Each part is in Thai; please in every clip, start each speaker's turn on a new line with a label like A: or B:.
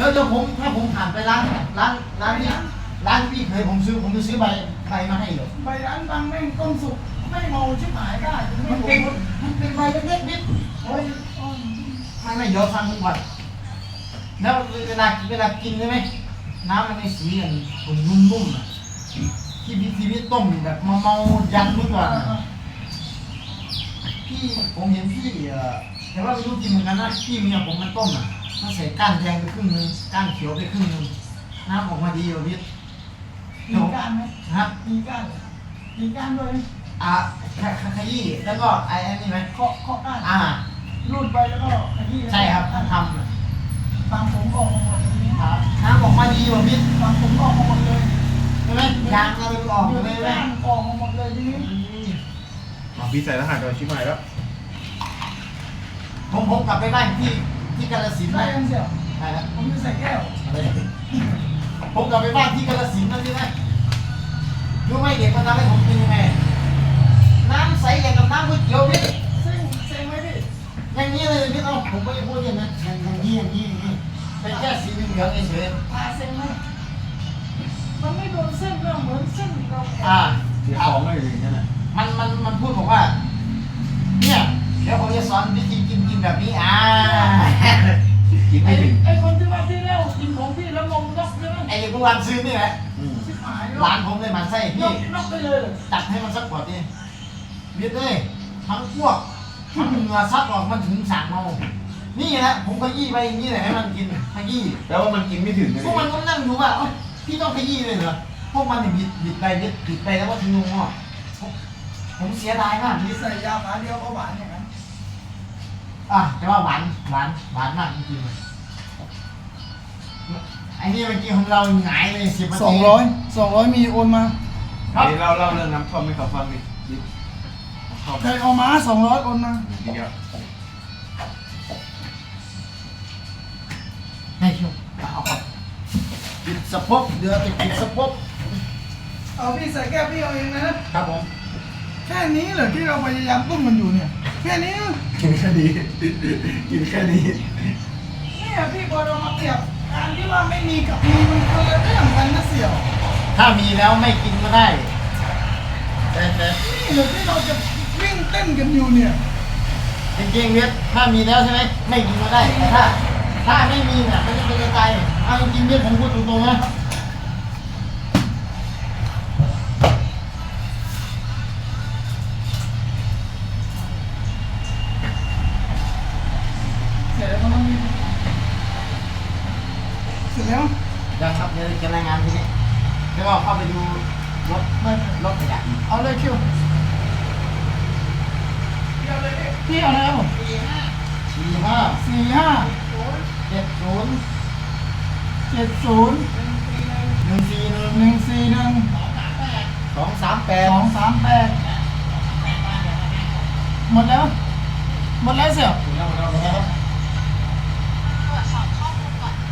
A: แล้วผมถ้าผมผ่านไปร้านพี่เคยผมจะซื้อใบมาให้เหรอ
B: ใบร้านบางแม่งต้มสุกไม่เมาชิบหายได้
A: มันเป็นใบเล็กๆนิดโอ้ยไม่เดี๋ยวฟังมึงก่อนแล้วเวลากินใช่ไหมน้ำมันในสีอย่างผมนุ่มๆอ่ะที่พี่ต้มแบบเมายันเมื่อก่อนพี่ผมเห็นพี่แต่ว่าไม่รู้กินเหมือนกันนะพี่เมียผมมันต้มอ่ะมันใส่ก้านแดงไปครึ่งนึงก้านเขียวไปครึ่งนึงน้ำออกมาดีอยู่พี่
B: มีก้านไหม
A: ครับ
B: มีก้านด้วย
A: ขยี้แล้วก็ไอ้นี่ไหม
B: เคาะก้านรูดไปแล้วก็ขยี้
A: ใช่ครับทำ
B: บางผมออกมาหมดเลยนี่
A: ครับน้ำออกมาดีอยู่พี่
B: บางผมออกมาหมดเลย
A: ใช่ไหมยางเราออกเลยไหม
B: ออกมาหมดเลยทีนี้
C: พี่ใส่รหัสโดนชิบหายแล้ว
A: ผมกลับไปบ้านที่กาฬสินธุ์
B: ได้ยังเสีย
A: ใช่แล้ว
B: ผมจะใส่แก้ว
A: ผมกลับไปบ้านที่กาฬสินธุ์นั่นใช่ไหมรู้ไหมเด็กมันทำให้ผมเป็นยังไงน้ำใสอย่างกับน้ำก๋วยเตี๋ยวพี่
B: เซ็งไหมพี่
A: อย่างนี้เลยพี่เอาผมไม่ได้พูดอย่างนั้นอย่างนี้เป็นแค่สีเหลืองเฉย
B: เซ็งไหมมันไม่โดนเส้นเราเหมือนเส้นเรา
C: เสียของอะไรอย่างเงี้ยนะ
A: มันพูดบอกว่าเนี่ยเดี๋ยวผมจะสอนวิธีกินแบบนี้
C: กินไม่ถึง
B: ไอ้คนที่ว่าที่แล้วกินของพี่แล้วงงนกใช่ไหม
A: ไอ้พวกวันซื้อนี่แหละร้านผมเลยมันไส้พี่
B: นกไปเลย
A: จัดให้มันสักขวดดิเบียดเลยทั้งพวกทั้งเหงื่อซัดออกมันถึงสั่งเมานี่แหละผมขยี้ไปอย่างนี้แหละให้มันกินขยี้
C: แต่ว่ามันกินไม่ถึง
A: พวกมันก็นั่งดูว่าพี่ต้องขยี้เลยเหรอพวกมันเนี่ยบิดไปแล้วก็ทิ้งลงหม้อผมเสียดายมาก
B: มีใส่ยาฝาเดียวก็หวานอย่างนั้น
A: แต่ว่าหวานมากจริงๆไอ้นี่เมื่อกี้ของเราหงายเลย10 นาที
B: 200มีโอนมา
C: ครับเล่าเรื่องน้ำท่อมให้เขาฟังดิ
B: ใครเอามา200โอนมา
C: เดี๋ยว
A: ให้ชมเอาครับปิดสะโพกเดือดจะปิดสะโพก
B: เอาพี่ใส่แก้วพี่เอาเองนะครับ
A: ผม
B: แค่นี้เหรอที่เราพยายามต้มมันอยู่เนี่ยแค่นี้
C: กินแค่นี้
B: เนี่ยพี่พอเรามาเปรียบการที่ว่าไม่มีกับมีมันคนละเรื่องกันนะเสี่ยว
A: ถ้ามีแล้วไม่กินก็ได้แต่
B: นี่เหรอที่เราจะวิ่งเต้นกันอยู่เนี่ย
A: จริงๆเนี่ยถ้ามีแล้วใช่ไหมไม่กินก็ได้แต่ถ้าไม่มีเนี่ยมันจะเป็นกระจายเอาจริงๆเนี่ยผมพูดตรงๆนะ
B: เสร็จแล้ว
A: ยังครับเดี๋ยวจะรายงานทีนี้แล้วก็เข้าไปดูรถขยะ
B: เอาเลยคิวพี่เอาแล้ว
A: 45 70
B: 238หมดแล้วเสี่ยว
A: หมดแล้ว
D: ตรวจสอบข้อมูลก่อน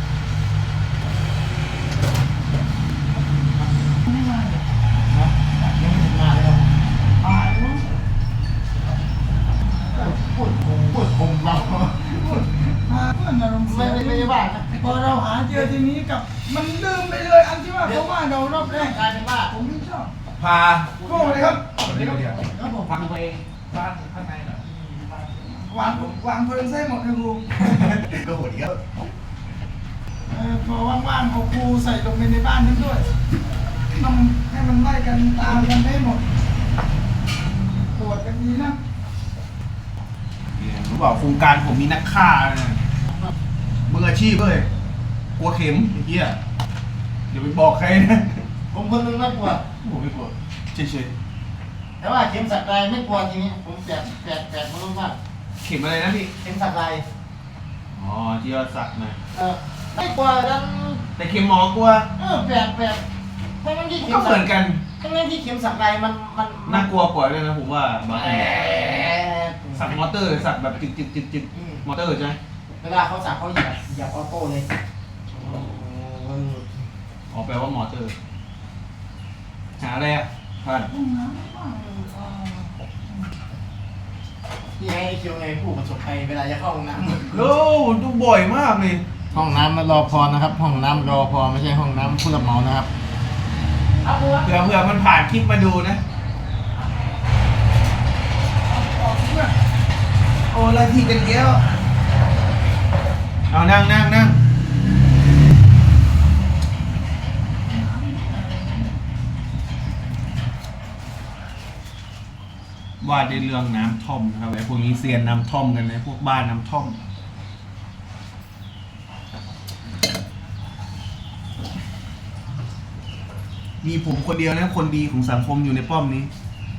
B: ไม่มาเลย
A: ยังไม่ถึงมาเลย
B: ตายมั้ง
A: พูดคงเรา
B: เพื่อนอารมณ์เสีย
A: ไม่ได้ว่านะ
B: พอเราหาเจอทีนี้กับมันลืมไปเลยอันที่ว่าเพราะว่าเรารอบแรก
A: กลายเป็นว่า
B: ผมไม่ชอบ
C: พา
B: โก้เลยครับ
A: ครับผม
C: ฟังตัวเองบ้านข้างในเหรอ
B: วางเพลิงใส่หมดเลยครู
C: ก็โหดเยอะ
B: พอว่างๆเอาครูใส่ลงไปในบ้านนั้นด้วยต้องให้มันไล่กันตามกันได้หมดปวดกันดีนะ
C: รู้เปล่าโครงการผมมีนักฆ่ามืออาชีพเลยกลัวเข็มไอ้เหี้ยเดี๋ยวไปบอกใครนะ
A: ผมคนนึงไม่กลัว
C: ผมไม่กลัวเฉย
A: แต่ว่าเข็มสักลายไม่กลัวทีนี้ผมแปลกมันรู้มาก
C: เข็มอะไรนะพี่
A: เข็มสักลาย
C: อ๋อที่เราสักมา
A: ไม่กลัวดัน
C: แต่เข็มหมอกลัว
A: แปลกทั้งที่เข็ม
C: ก็เหมือนกัน
A: ทั้งที่เข็มสักลายมัน
C: น่ากลัวกว่าเลยนะผมว่าบางทีสักมอเตอร์สักแบบจิกมอเตอร์ใช่ไหม
A: เวลาเขาสักเขาเหยียบออโต้เลย
C: อ๋อแปลว่ามอเตอร์หาอะไรอ่ะท่าน
A: พี่ให้คิวไงผู้ประสบภัยเวลาจะเข้าห้องน้ำ
C: โอ้ดูบ่อยมากเลย
A: ห้องน้ำรอพอนะครับ ห้องน้ำรอพอไม่ใช่ห้องน้ำผู้รับเหมานะครับ
C: เผื่อมันผ่านคลิปมาดูนะ โอ้อะไรที่กันแก้วเอานั่งว่าในเรื่องน้ำท่อมนะครับไอ้พวกนี้เซียนน้ำท่อมกันนะพวกบ้านน้ำท่อมมีผมคนเดียวนะคนดีของสังคมอยู่ในป้อมนี้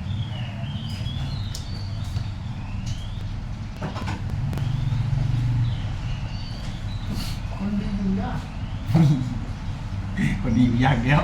B: คนดีอยู่ยาก
C: คนดีอยู่ยากแล้ว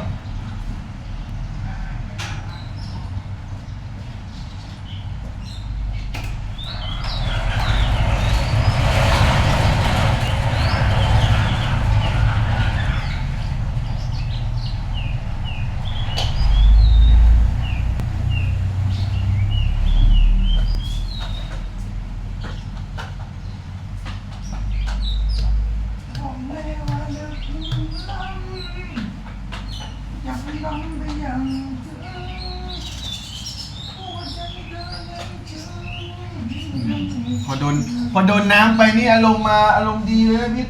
B: บอกเลยว่าเลิกล้ำอยากล้ำไปอย่างเธอหัวใจเธอยังเชื่อ
C: พอโดนน้ำไปนี่อารมณ์ดีเลยนะพี่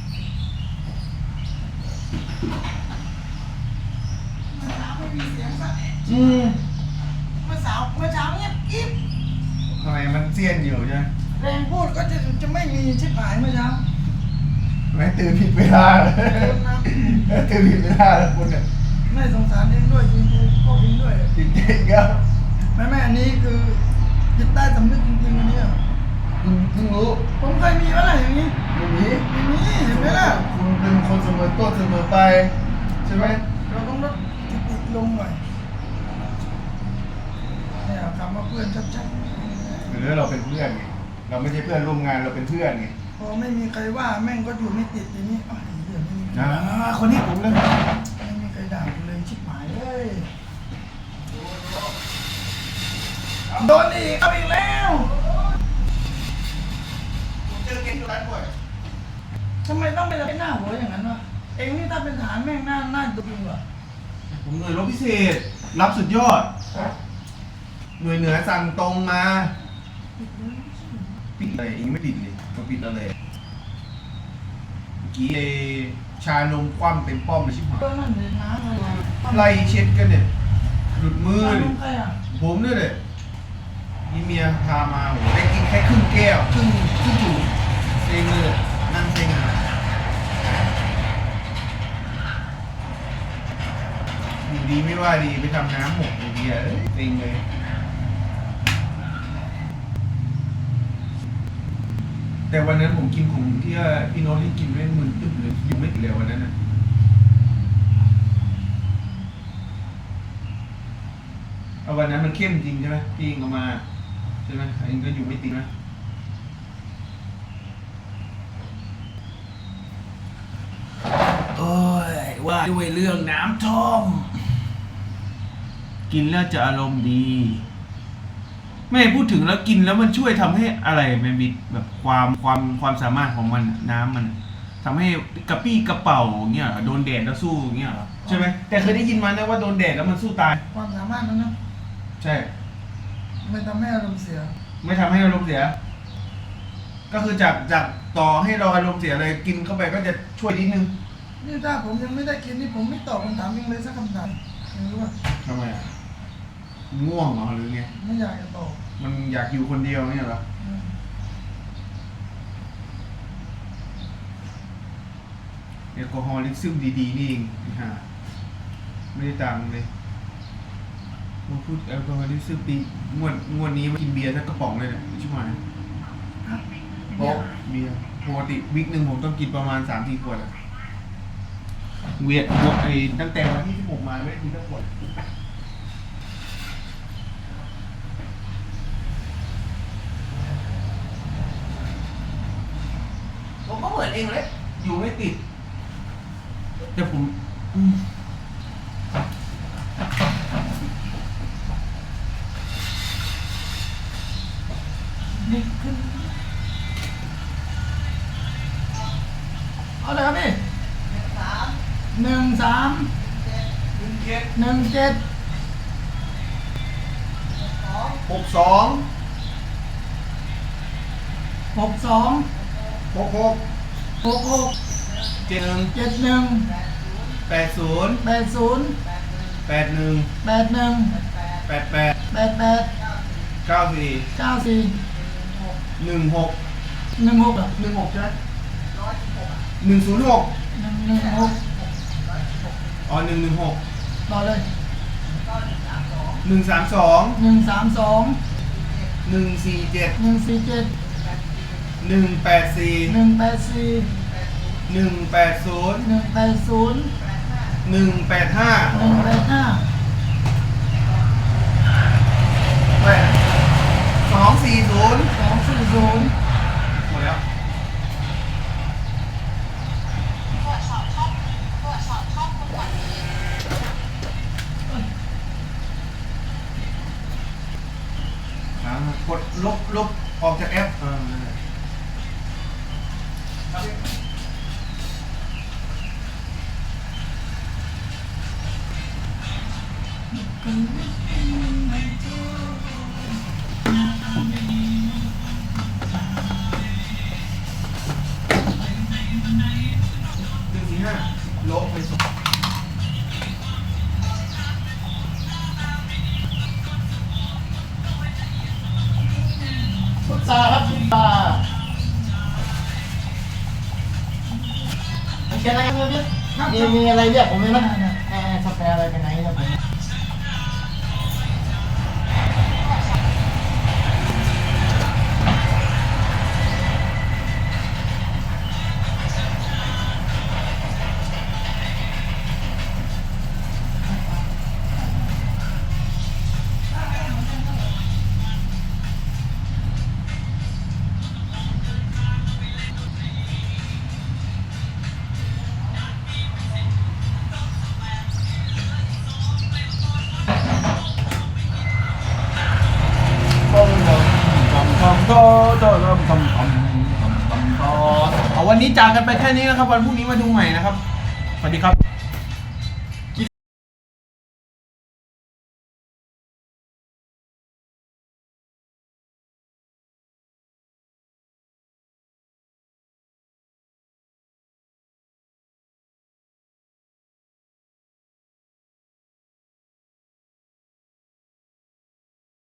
B: เมื่อเช้าไม่มีเสียงสัก
C: อืม
B: เมื่อเช้าเงียบกิ๊บ
C: ทำไมมันเซียนอยู่ใช่ไหม
B: แรงพูดก็จะไม่มีชิบหายเมื่อเช้า
C: ไม่ตื่นผิดเวลาตื่นผิดเวลาแล้วคุณเนี่ย
B: ไม่สงสารเองด้วยจริงๆก็พิงด้วย
C: จริงๆครับ
B: ไม่อันนี้คือจิตใต้สำนึกจริงๆอันเนี้ย
C: เพิ่งรู้
B: ผมเคยมีอะไรอย่างนี้
C: อย่างนี้
B: ไม่มีเห็นไหมล่ะ
C: คุณเป็นคนเสมอต้นเสมอไปใช่ไหม
B: เราต้องลดติดลงหน่อยเนี่ยคำว่าเพื่อนชัด
C: หรือเราเป็นเพื่อนไงเราไม่ใช่เพื่อนร่วมงานเราเป็นเพื่อนไง
B: ๆพอไม่มีใครว่าแม่งก็อยู่ไม่ติดทีนี้อ้าวเหี้ยไม่มีใคร
C: คนนี้ผมเลย
B: ไม่มีใครด่ากูเลยชิบหายเลยโดนอีกเอาอีกแล้ว
C: ผมเจอเกมตัวนั้นบ่อย
B: ทำไมต้องเป็นหน้าหัวอย่างนั้นวะเองนี่ถ้าเป็นทหารแม่งหน้าดูจริงว่ะ
C: ผมหน่วยรบพิเศษ รับสุดยอด หน่วยเหนือสั่งตรงมา ปิดอะไรเองไม่ปิดเลยมาปิดอะไรเมื่อกี้ชานมคว่ำเต็มป้อมเลยชิบหาย
B: ก็นั่นเลยน้ำอะไร
C: ไล่เช็ดกันเนี่ย หลุดมือ
B: ตา
C: เลย
B: มใครอ่ะ
C: ผมด้วยเลยนี่เมียพามาโหได้กินแค่ครึ่งแก้วครึ่งถุงเซ็งเลยนั่งเซ็งเลยอยู่ดีไม่ว่าดีไปทำน้ำหกไอเดียเซ็งเลย แต่วันนั้นผมกินของที่ว่าพี่โน้ตที่กินไม่มึนตึ๊บเลยอยู่ไม่ถึงเลยวันนั้นนะเอาวันนั้นมันเข้มจริงใช่ไหมพี่เองเอามาใช่ไหมเองก็อยู่ไม่ติดนะโอ้ยว่าด้วยเรื่องน้ำท่อมกินแล้วจะอารมณ์ดี ไม่พูดถึงแล้วกินแล้วมันช่วยทำให้อะไรมันมีแบบความสามารถของมันน้ำมันทำให้กระปี้กระเป๋าเงี้ยโดนแดดแล้วสู้เงี้ยเหรอใช่ไหมแต่เคยได้ยินมานะว่าโดนแดดแล้วมันสู้ตาย
B: ความสามารถนั้นนะ
C: ใช่
B: ไม่ทำให้อารมณ์เสีย
C: ไม่ทำให้อารมณ์เสีย ก็คือจากต่อให้เราอารมณ์เสียเลยกินเข้าไปก็จะช่วยนิดนึง
B: นี่ถ้าผมยังไม่ได้กินนี่ผมไม่ตอบคำถามยังเลยสักคำถามไม่รู้ว่า
C: ทำไมอ่ะง่วงเหรอหรือไง
B: ไม่อยากจะตอบ
C: มันอยากอยู่คนเดียวเนี่ยเหรอ
B: อืม
C: แอลกอฮอล์ลิซึมดีๆนี่เองฮะไม่ได้ตังค์เลยมาพูดแอลกอฮอล์ลิซึมดีงวดนี้มากินเบียร์สักกระป๋องเลยเนี่ยชิบหาย
B: ฮะ
C: เพราะเบียร์ปกติวิกหนึ่งผมต้องกินประมาณ3-4 ขวดอะเวียดหมดไอ้ตั้งแต่วันที่16มาไม่ได้กินสักขวดผมก็เหมือนเองเลยอยู่ไม่ติด แต่ผม
B: นี่ขึ้นเอา
C: อ๋อ116
B: ต่อเลย
C: 132 147 184 180 240หมดแล้ว
D: ตรวจสอบข้อมูลก่อนดี
C: กดลบออกจากแอปนั่นแหละ145ลบไปส่ง
A: พุทราครับพุทราเขียนอะไรกันเนี่ยมีอะไรเรียกผมไหมนะสแปรอะไรไปไหนครับผม
C: เอาวันนี้จากกันไปแค่นี้นะครับ วันพรุ่งนี้มาดูใหม่นะครับ สวัสดีครับ